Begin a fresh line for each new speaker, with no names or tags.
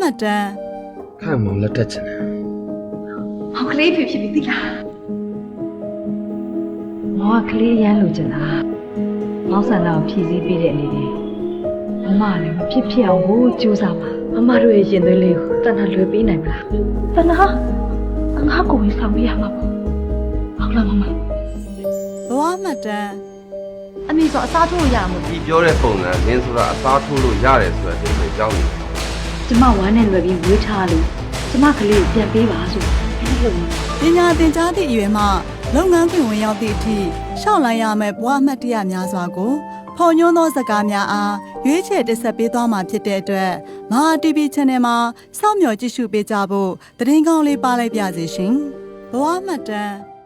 တမ်း
看毛了这真的。
ဟောကလေးဖြစ်ဖြစ်ပြီးသိလား
မောင်ကကလေးရမ်းလို့ကျင်တာမောင်ဆန္ဒကိုဖြည့်ဆည်းပေးတဲ့အနေနဲ့မမလည်းမဖြစ်ဖြစ်အောင်ကိုကြိုးစားပါမမတို့ရဲ့ရင်သွေးလေးကိုတဏှာလွယ်ပေးနိုင်မလား
တနာငါကိုဝင်ဆောင်ပေးရမှာပေါ့ဟုတ်လားမမ
ဘဝမှတ်တမ်း
အမေဆိုအစားထိုးရမှာ
ဒီပြောတဲ့ပုံစံမင်းဆိုတာအသားထိုးလို့ရတယ်ဆိုတဲ့အဓိပ္ပာယ်ကြောင်းနေတယ်
ကျမဝမ်းနဲ့လွယ်ပြီးမွေးထားလို့ကျမကလေးကိုပြန်ပေးပါဆိုအဲ့လို
ပညာသင်ကြားသည့်အရွယ်မှလုပ်ငန်းခွင်ဝင်ရောက်သည့်အထိရှောက်လိုက်ရမယ့်ဘဝမှတ်တရများစွာကိုဖော်ညွှန်းသောစကားများအားရွေးချယ်တင်ဆက်ပေးသွားမှာဖြစ်တဲ့အတွက်မဟာ TV Channel မှာစောင့်မျှော်ကြည့်ရှုပေးကြဖို့သတင်းကောင်းလေးပါလိုက်ပါစီရှင်ဘဝမှတ်တမ်း